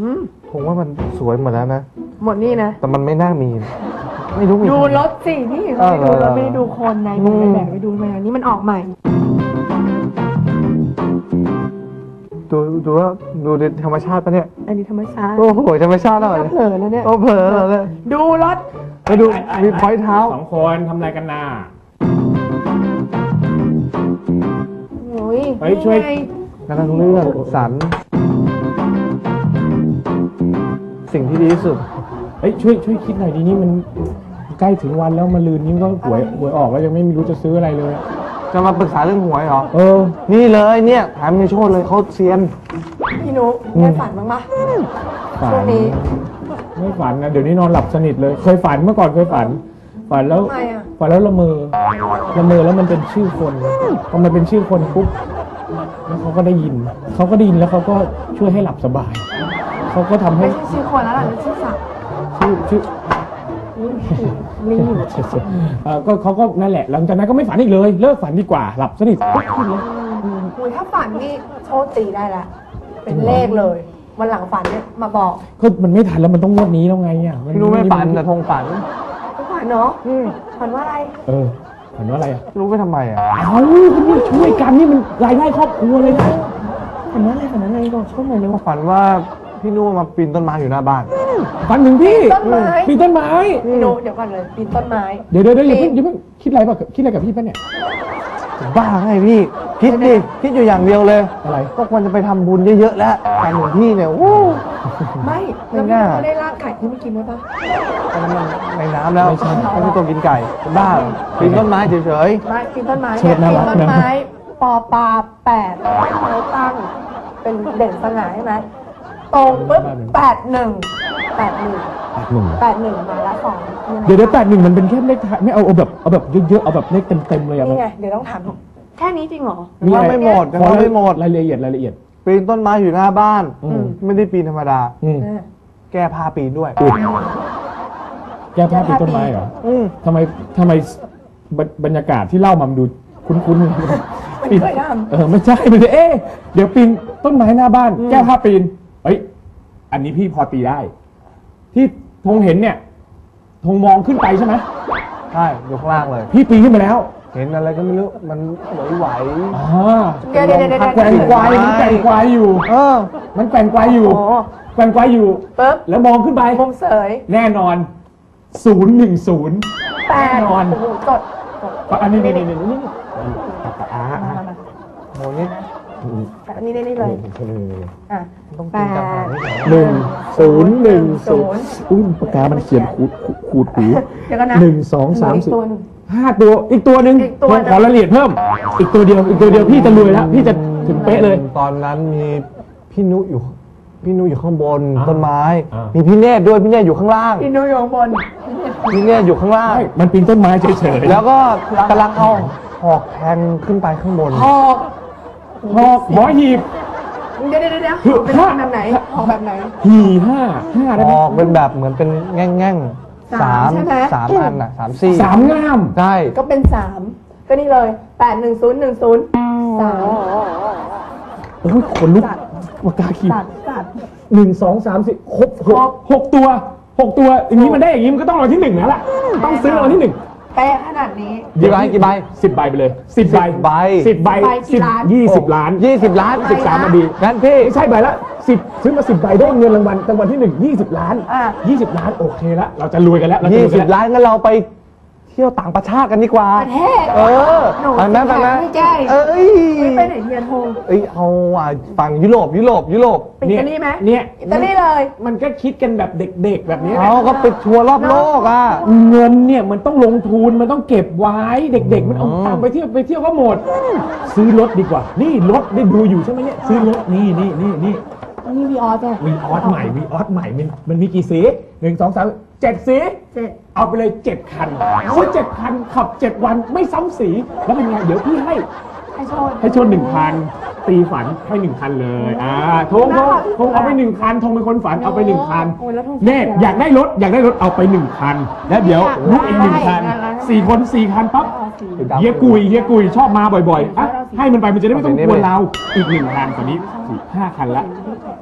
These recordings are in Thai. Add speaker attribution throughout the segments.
Speaker 1: ผมว่ามันสวยหมดแล้วนะ
Speaker 2: หมดนี่นะ
Speaker 1: แต่มันไม่น่ามีไม่รู้มี
Speaker 2: ดูรถสินี่เขาไปดูรถไม่ได้ดูคนในไปแบกไปดูมาอันนี้มันออกใหม่
Speaker 1: ดูว่าดูในธรรมชาติปะเนี่ย
Speaker 2: อันนี้ธรรมชาติ
Speaker 1: โอ้โหธรรมชาติหน่อย
Speaker 2: เผลอแล้วเนี่ย
Speaker 1: โอ้เผลอแล้ว
Speaker 2: ดูรถ
Speaker 1: ไปดูมีพอยเท้า
Speaker 3: 2 คนทำอะไรกันน่ะ
Speaker 2: โอ้ย
Speaker 3: ช่วย
Speaker 1: กำลังเลือกสรรสิ่งที่ดีที่สุด
Speaker 3: ช่วยคิดหน่อยดีนี่มันใกล้ถึงวันแล้วมาลืนนี่ก็หวยออกแล้วยังไม่รู้จะซื้ออะไรเลย
Speaker 1: จะมาปรึกษาเรื่องหวยเหรอ
Speaker 3: นี่
Speaker 1: เลยเนี่ยถามมีโชคเลยเขาเซียน
Speaker 2: พี่นุ๊กได้ฝันบ้างปะช่วงนี้
Speaker 3: ไม่ฝันนะเดี๋ยวนี้นอนหลับสนิทเลยเคยฝันเมื่อก่อนเคยฝันแล้วฝันแล้วละเมอแล้วมันเป็นชื่อคนพอมันเป็นชื่อคนปุ๊บแล้วเขาก็ได้ยินแล้วเขาก็ช่วยให้หลับสบายเขาก็ทำให้
Speaker 2: ไม่ใช่ชื่อคนแล้วล่ะชื่อสัตว์
Speaker 3: ชื่อ
Speaker 2: ลิงอยู่
Speaker 3: ก็เขาก็นั่นแหละหลังจากนั้นก็ไม่ฝันอีกเลยเลิกฝันดีกว่าหลับสนิทปุ๊บขึ้นเลย
Speaker 2: ถ้าฝันนี่โชคตีได้ละเป็นเลขเลยวันหลังฝันเนี่ยมาบอก
Speaker 3: ก็มันไม่ทันแล้วมันต้องงวดนี้แล้วไงอ่ะ
Speaker 1: ไม่รู้ไม่ฝันแต่ทงฝัน
Speaker 2: เนาะฝันว่าอะไร
Speaker 3: ฝันว่าอะไรอ่ะ
Speaker 1: รู้ไปทำไมอ่ะ
Speaker 3: ช่วยกันนี่มันรายได้ครอบครัวเลยนะ
Speaker 2: ฝันว่าอะไรบอกช่วยหน่อยเลยว่า
Speaker 1: ฝันว่าพี่นุ่มมาปีนต้นไม้อยู่หน้าบ้าน
Speaker 3: ฝันถึงพี่ปีนต้นไม้
Speaker 2: พี่นุ่มเดี๋ยวก่อนเลยปีนต้นไม้
Speaker 3: เดี๋ยวอย่าเพิ่งคิดอะไรกับพี่ป่ะเนี่ย
Speaker 1: บ้าไงพี่คิดอยู่อย่างเดียวเลย
Speaker 3: อะไร
Speaker 1: ก็ควรจะไปทำบุญเยอะๆแล้วการของพี่เนี่ยโอ้
Speaker 2: ไม่แล้วพี่เขาได้ลากไก่ที่ไม่กินไว้ปะ
Speaker 1: ตอนนั้นมันในน้ำแล้วไม่ใช่ตัวกินไก่บ้าปีนต้นไม้เฉย
Speaker 2: ๆไม่ปีนต้นไม้ปีนต้นไม้ปอปลา8เขาตั้งเป็นเด่นสง่าใช่ไหมตรงปุ๊บ81มาละ2
Speaker 3: เดี๋ยว81มันเป็นแค่เลขไม่เอาแบบเยอะๆเอาแบบเลขเต็มๆเลยอ่ะ
Speaker 2: นี่ไงเดี๋ยวต้องถามแค่นี้จริงเหรอ
Speaker 1: ว่าไม่หมด
Speaker 3: รายละเอียด
Speaker 1: ปีนต้นไม้อยู่หน้าบ้านไม่ได้ปีนธรรมดาแก้ผ้าปีนด้วย
Speaker 3: แก้ผ้าปีนต้นไม้เหรอทำไมบรรยากาศที่เล่ามาดูคุ้น
Speaker 2: ๆปีน
Speaker 3: ไม่ใช่เดี๋ยวปีนต้นไม้หน้าบ้านแก้ผ้าปีนอันนี้พี่พอตีได้ที่ธงเห็นเนี่ยธงมองขึ้นไปใช่ไหม
Speaker 1: ใช่อยู่ข้างล่างเลย
Speaker 3: พี่ปีนขึ้นไปแล้ว
Speaker 1: เห็นอะไรก็ไม่รู้มันไหว
Speaker 2: เดี๋ยว
Speaker 3: แกว่งไกวมันแกว่งไกวอยู่มันแกว่งไกวอยู่
Speaker 2: ปุ๊บ
Speaker 3: แล้วมองขึ้นไป
Speaker 2: ผมเสย
Speaker 3: แน่นอน010แน่นอน
Speaker 2: จด
Speaker 3: อันนี้
Speaker 1: โหนี่
Speaker 2: อันนี้ได้เลย
Speaker 1: ต้องกินกาแฟ
Speaker 3: 1010ปากกามันเขียนขูดหู1 2 3 4 5ตัวอีกตัวหนึ่งขอรายละเอียดเพิ่มอีกตัวเดียวพี่จะรวยแล้วพี่จะถึงเป๊ะเลย
Speaker 1: ตอนนั้นมีพี่นุอยู่ข้างบนต้นไม้มีพี่เนตรด้วยพี่เนตรอยู่ข้างล่าง
Speaker 2: พี่นุอยู่ข้างบน
Speaker 1: พี่เนตรอยู่ข้างล่าง
Speaker 3: มันปีนต้นไม้เฉย
Speaker 1: ๆแล้วก็กำลังเอาหอกแทงขึ้นไปข้างบน
Speaker 3: หอกหมอหีบ
Speaker 2: เดี๋ยวเป็นแบบไหนหอกแบบไหน
Speaker 3: หี5
Speaker 1: หอกเป็นแบบเหมือนเป็นแง่ง3 อันน่ะ
Speaker 3: 3ง่าม
Speaker 1: ใช่
Speaker 2: ก็เป็น3ก็นี่เลย81010
Speaker 3: โอ้ยขนลุกปากกาขีด1 2 3 4ครบ6ตัวอย่างนี้มันได้อย่างนี้มันก็ต้องรางวัลที่1แล้วล่ะต้องซื้อรางวัลที่1
Speaker 2: แป๊ะขนาดนี้
Speaker 1: กี่ใบ
Speaker 3: 10 ใบไปเลย10 ใบ20 ล้าน13มาดี
Speaker 1: งั้นพี่
Speaker 3: ไม่ใช่ใบละ10ซื้อมา10 ใบได้เงินรางวัลที่1 20 ล้าน20 ล้านโอเคละเราจะรวยกันแล้ว
Speaker 1: 20 ล้านงั้นเราไปเที่ยวต่างประเทศกันดีกว่า
Speaker 2: ประเทศ
Speaker 1: ไปไหม
Speaker 2: ไม่ใช่ไม่ไปไหนเทียนโฮ
Speaker 1: เอาฝั่งยุโรป
Speaker 2: อิตาลีไหม
Speaker 3: เนี่ย
Speaker 2: อิตาลีเลย
Speaker 3: มันก็คิดกันแบบเด็กๆแบบนี้
Speaker 1: ก็ไปทัวร์รอบโลก
Speaker 3: เงินเนี่ยมันต้องลงทุนมันต้องเก็บไว้เด็กๆมันเอาตังค์ไปเที่ยวก็หมดซื้อรถดีกว่านี่รถได้ดูอยู่ใช่ไหมเนี่ยซื้อรถนี่
Speaker 2: วีออสเนี่ย
Speaker 3: วีออสใหม่มันมีกี่สี1 2 3 7 สีเอาไปเลย7 คัน7 คันขับ7 วันไม่ซ้ำสีแล้วเป็นไงเดี๋ยวพี่ให้ชน1 คันตีฝันให้1 คันเลยทงเอาไป1 คันทงเป็นคนฝันเอาไป1 คันเน่อยากได้รถเอาไป1 คันแล้วเดี๋ยวลูกอีก1 คัน4 คน 4 คันปั๊บเฮียกุยชอบมาบ่อยๆให้มันไปมันจะได้ไม่ต้องกวนเราอีก1 คันตอนนี้5 คันละ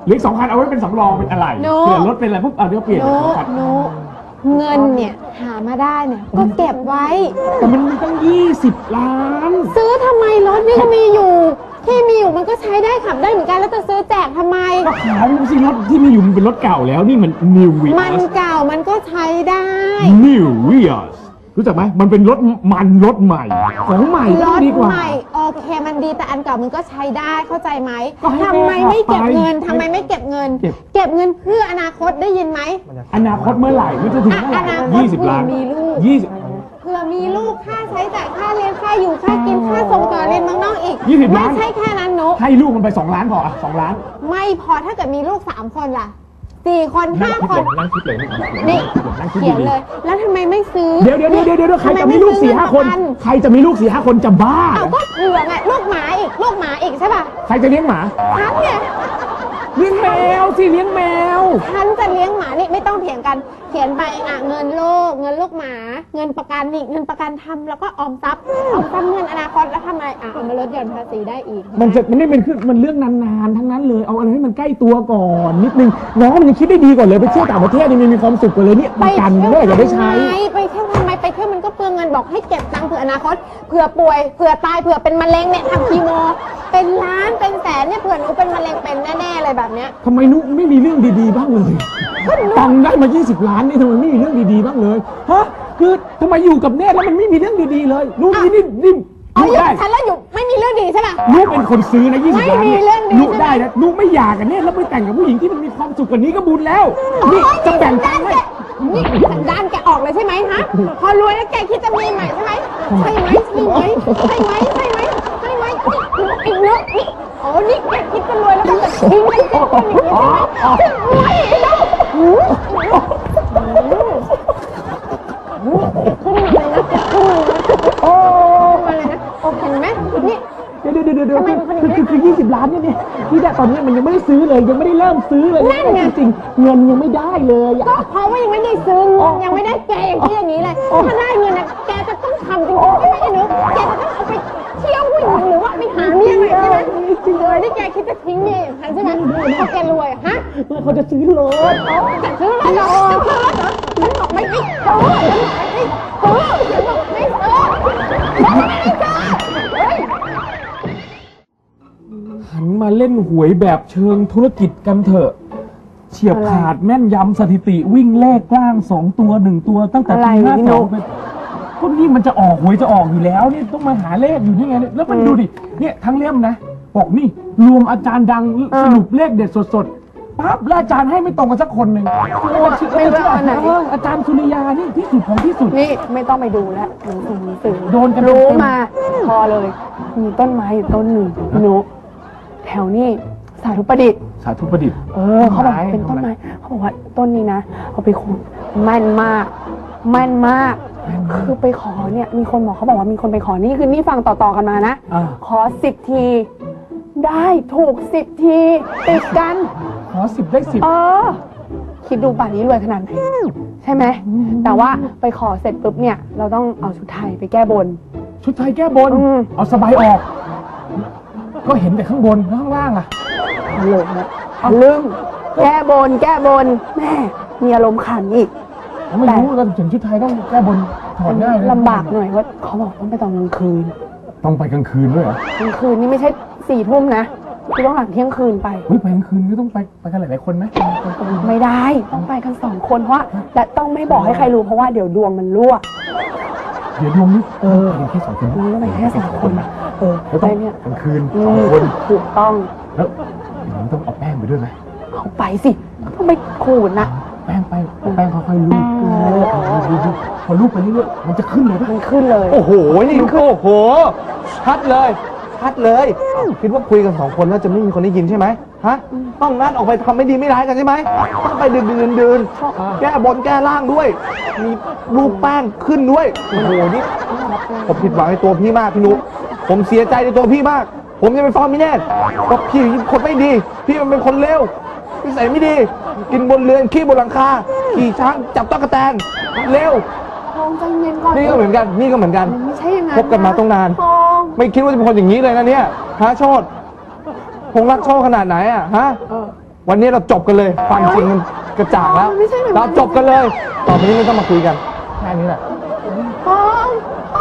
Speaker 3: เหลืออีก2 คันเอาไว้เป็นสำรองเป็นอะไร
Speaker 4: โน้
Speaker 3: เผื่อรถเป็นอะไรปุ๊บเอาเดี๋ยวเปลี่ยน
Speaker 4: หนู
Speaker 3: คัน
Speaker 4: หนูเงินเนี่ยหามาได้เนี่ยก็เก็บไว้
Speaker 3: แต่มันมีตั้ง20 ล้าน
Speaker 4: ซื้อทำไมรถนี่ก็มีอยู่ ที่มีอยู่มันก็ใช้ได้ขับได้เหมือนกันแล้วจะซื้อแจกทำไม
Speaker 3: ก็ขายมันสิรถที่มีอยู่มันเป็นรถเก่าแล้วนี่มัน New
Speaker 4: มัน
Speaker 3: Vios
Speaker 4: เก่ามันก็ใช้ได้
Speaker 3: New Vios รู้จักไหมมันเป็นรถรถใหม่ของใหม่
Speaker 4: ร
Speaker 3: ต้อง
Speaker 4: ถ
Speaker 3: ดีกว่า
Speaker 4: ใหม่โอเคมันดีแต่อันเก่ามันก็ใช้ได้เข้าใจไหม
Speaker 3: ก็ให้
Speaker 4: ทำไมไม่เก็บเงิน
Speaker 3: ไป
Speaker 4: ทำไมไม่เก็บเงิน
Speaker 3: เก็บ
Speaker 4: เก็บเงินเพื่ออนาคตได้ยินไหม
Speaker 3: อนาคตเมื่อไหร่มันจะถึงเมื่อไห
Speaker 4: อนาคต
Speaker 3: ร่20 ล้าน
Speaker 4: มีลูก
Speaker 3: 20
Speaker 4: เผื่อมีลูกค่าใช้จ่ายค่าเรียนค่าอยู่ค่ากินค่าส่งต่อเรียนเมืองนอกอีก
Speaker 3: 20
Speaker 4: ไม่
Speaker 3: ล้าน
Speaker 4: ใช่แค่นั้นนุ
Speaker 3: ให้ลูกมันไป2 ล้านพออ่ะ2 ล้าน
Speaker 4: ไม่พอถ้าเกิดมีลูก3 คนล่ะ4 คน5 คน
Speaker 3: นั่งคิดเลย
Speaker 4: นี่
Speaker 3: นั่งคิด
Speaker 4: เขียน
Speaker 3: ดี
Speaker 4: เลย แล้วทำไมไม่ซื้อ
Speaker 3: ๆเดี๋ยวใครจะมีลูก 4-5 คน ใครจะมีลูก 4-5 คนจะบ้า
Speaker 4: เอาก็เผื่อไงลูกหมาอีกใช่ป่ะ
Speaker 3: ใครจะเลี้ยงหมา
Speaker 4: ฉันเนี่ย
Speaker 3: เลี้ยงแมวสิเลี้ยงแมว
Speaker 4: ฉันจะเลี้ยงหมานี่ไม่ต้องเถียงกัน เขียนไปเงินลูกหมา เงินประกันนี่เงินประกันทำแล้วก็ออมทรัพย์เงินอนาคตแล้วทำไมเอามาลดหย่อนภาษีได้อีก
Speaker 3: มันไม่เป็นคือมันเรื่องนานๆทั้งนั้นเลยเอาอะไรให้มันใกล้ตัวก่อนนิดนึงน้องมันยังคิดได้ดีก่อนเลยไปเที่ยวต่างประเทศนี่มันมีความสุขกว่าเลยเนี่ยประกันเมื่อไหร่จะได้ใช้
Speaker 4: ไปเที่ยวทำไมไปเที่ยวมันก็เปลืองเงินบอกให้เก็บตังค์เผื่ออนาคตเผื่อป่วยเผื่อตายเผื่อเป็นมะเร็งเนี่ยทำคีโมเป็นล้านเป็นแสนเนี่ยเผื่อหนูเป็นมะเร็งเป็นแน่ๆเลยแบบเนี้ย
Speaker 3: ทำไมนุ๊กไม่มีเรื่องดีๆบ้างเลยตังค์ได้มา20 ล้านนี่ทำไมไม่มีเรื่องดีๆบ้างเลยฮะคือทำไมอยู่กับเนตแล้วมันไม่มีเรื่องดีๆเลยนุ๊กนี่
Speaker 4: อ๋ออยู่
Speaker 3: นุ๊กได้
Speaker 4: ฉันแล้วอยู่ไม่มีเรื่องดีใช่ป่ะ
Speaker 3: นุ๊กเป็นคนซื้อนะ20 ล้าน
Speaker 4: ไม่มีเรื่องดี
Speaker 3: นุ๊กได้นะนุ๊กไม่อยากกันเนตแล้วไปแต่งกับผู้หญิงที่มันมีความสุขกว่านี้ก็บุญแล้วนี่จะแบ่งตังค์ให้
Speaker 4: นี่สันดานแกออกเลยใช่ไหมฮะพอรวยแล้วแกคิดจะมีใหม่ใช่ไหมใช่ไหมอีกเนอะนี่อ๋อนี่แกคิดจะรวยแล้วก็จะทิ้งให้เป็นคนอย่างนี้ใช่ไหมไม่ไอ้น้องขึ้นมาเลยนะโอ้มาเลยนะโอเคไหมนี่
Speaker 3: เดี๋ยว
Speaker 4: ทำไมเป็นคนอย่างนี้
Speaker 3: คือ20 ล้านเนี่ยที่ได้ตอนนี้มันยังไม่ได้ซื้อเลยยังไม่ได้เริ่มซื้อเลย
Speaker 4: นั่นไง
Speaker 3: จริงๆเงินยังไม่ได้เลยอะ
Speaker 4: ก็เพราะว่ายังไม่ได้ซื้อยังไม่ได้แกอย่างที่อย่างนี้เลยถ้าได้เงินนะแกจะต้องทำจริงๆใช่ไหมไอ้หนูแกจะต้องเอาไปเที่ยวผู้หญิงหรือว่าไปหาเมียใหม่ใช่ไหมจริงเลยที่แกคิดจะทิ้งเมียอย่างฉันใช่ไหมพอแกรวยฮะ
Speaker 3: เขาจะซื้อรถ
Speaker 4: จะซื้ออะไรเหรอจะซื้อรถเหรอฉันบอกไม่ซื้อฉันบอกไม่ซื้อฉันบอกไม่ซื้อเฮ้ย
Speaker 3: หันมาเล่นหวยแบบเชิงธุรกิจกันเถอะเฉียบขาดแม่นยำสถิติวิ่งเลขกล้าง2 ตัว 1 ตัวตั้งแต่ปี52เป็นก็นี่มันจะออกหวยจะออกอยู่แล้วนี่ต้องมาหาเลขอยู่นี่ไงเนี่ยแล้วมันดูดิเนี่ยทั้งเล่มนะบอกนี่รวมอาจารย์ดังสรุปเลขเด็ดสดๆปั๊บแล้วอาจารย์ให้ไม่ตรงกันสักคนหนึ่ง
Speaker 4: ไม่รู้อันไหน
Speaker 3: อาจารย์สุริยานี่ที่สุดของที่สุด
Speaker 2: นี่ไม่ต้องไปดูแล้วหนังสือ
Speaker 3: โดนกัน
Speaker 2: รู้
Speaker 3: เต็ๆ
Speaker 2: มาพอเลย มีต้นไม้อยู่ต้นหนึ่งหนูแถวนี้สาธุประดิษฐ์
Speaker 3: สาธุประดิษฐ์
Speaker 2: เขาบอกเป็นต้นไม้เขาบอกว่าต้นนี้นะเอาไปขุดแม่นมากคือไปขอเนี่ยมีคนบอกเขาบอกว่ามีคนไปขอนี่คือนี่ฟังต่อๆกันมานะ ขอ10 ทีได้ถูก10 ทีติดกัน
Speaker 3: ขอ10 ได้10
Speaker 2: คิดดูป่านนี้รวยขนาดไหนใช่ไหมแต่ว่าไปขอเสร็จปุ๊บเนี่ยเราต้องเอาชุดไทยไปแก้บน
Speaker 3: ชุดไทยแก้บน เอาสบายออก ก็เห็นแต่ข้างบนแล้วข้างล่างอะ
Speaker 2: ฮัลโหลนะลืมแก้บนแม่มีอารมณ์ขันอีก
Speaker 3: ไม่รู้เราถึงชุดไทยต้องแก้บนถอดง่ายเลย
Speaker 2: ลำบากหน่อยว่าเขาบอกต้องไปตอนกลางคืน
Speaker 3: ต้องไปกลางคืนด้วยเหรอก
Speaker 2: ลางคืนนี่ไม่ใช่4 ทุ่มนะคือต้องหลังเที่ยงคืนไป
Speaker 3: เฮ้ยไปกลางคืนก็ต้องไปกันหลายๆคนไหม
Speaker 2: ไม่ได้ต้องไปกัน2 คนเพราะว่าและต้องไม่บอกให้ใครรู้เพราะว่าเดี๋ยวดวงมันรั่ว
Speaker 3: เดี๋ยวดวงนี้เห็นแค่2 คน
Speaker 2: รู้แล้วไปแค่2 คน
Speaker 3: แล้ว
Speaker 2: ไป
Speaker 3: ต้อง
Speaker 2: เนี่ย
Speaker 3: กลางคืน2 คน
Speaker 2: ถูกต้อง
Speaker 3: แล้วอย่างนี้ต้องเอาแป้งไปด้วยไหม
Speaker 2: เอาไปสิต้องไปขูดนะ
Speaker 3: แป้งค่อยๆลูบดูพอลูบไปเรื่อยๆมันจะขึ้นเลยปะ
Speaker 2: มันขึ้นเลย
Speaker 1: โอ้โห นี่โอ้โห ชัดเลยคิดว่าคุยกัน2 คนแล้วจะไม่มีคนได้ยินใช่ไหมฮะ ต้องนัดออกไปทำไม่ดีไม่ร้ายกันใช่ไหมต้องไปดื่นแก้บนแก้ล่างด้วย มีรูปแป้งขึ้นด้วย โอ้โห นี่ผมผิดหวังในตัวพี่มากพี่นุผมเสียใจในตัวพี่มาก ผมจะไปฟ้องพี่แน่ก็พี่คนไม่ดี พี่มันเป็นคนเลวนิสัยไม่ดี กินบนเรือนขี้บนหลังคา ขี่ช้างจับตั๊กแตนเลว
Speaker 2: ทองใจเย็นก่อน
Speaker 1: นี่ก็เหมือนกัน
Speaker 2: ไม่ใช่อย่างนั้น
Speaker 1: คบกันมาต้องนาน
Speaker 2: ทอง
Speaker 1: ไม่คิดว่าจะเป็นคนอย่างนี้เลยนะเนี่ยฮะโชดคงรักโชดขนาดไหนอะฮะวันนี้เราจบกันเลยความจริงมันกระจ่างแล้ว
Speaker 2: ไม่ใช่แบบนั้น
Speaker 1: เราจบกันเลย ต่อไปนี้ไม่ต้องมาคุยกันแค่นี้แหละ
Speaker 2: ปอม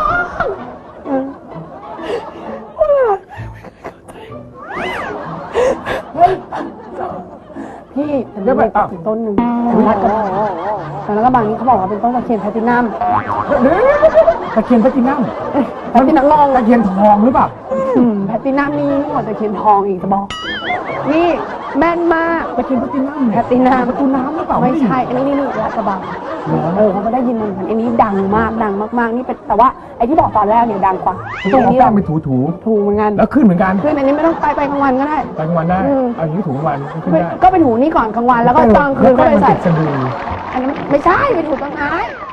Speaker 2: พี่แต่ไม่ได้ถึงต้นหนึ่งแล้วก็บางนี้เขาบอกว่าเป็นต้นตะเคียนแพลตินัม
Speaker 3: ตะเคียนแพลตินัม
Speaker 2: แพลตินัม
Speaker 3: ตะเคียนทองหรือเปล่า
Speaker 2: แพลตินัมนี่ยิ่งกว่าตะเคียนทองอีกจะบอก นี่แม่นมาก
Speaker 3: ตะเคียนแพลตินัม
Speaker 2: แพลตินัม
Speaker 3: ประตูน้ำหรือเปล่า
Speaker 2: ไม่ใช่ อันนี้ลาดกระบังเขาก็ได้ยินมันอันนี้ดังมากนี่เป็นแต่ว่าไอ้ที่บอกตอนแรกเนี่ยดังกว่า
Speaker 3: ต้องเอาแป้งไปถู
Speaker 2: ถูกเหมือนกัน
Speaker 3: ๆแล้วขึ้นเหมือนกัน
Speaker 2: คืออันนี้ไม่ต้องไปกลางวันก็ได้
Speaker 3: ไปกลางวันได้เอาอย่างนี้ถูกกลางวันขึ้นได้
Speaker 2: ก็เป็นหูนี่ก่อนกลางวันแล้วก็ตอนคืนก็ไปใส่
Speaker 3: แป้งมันติดสะดือ
Speaker 2: อันนั้นไม่ใช่ไปถูกต้นไม้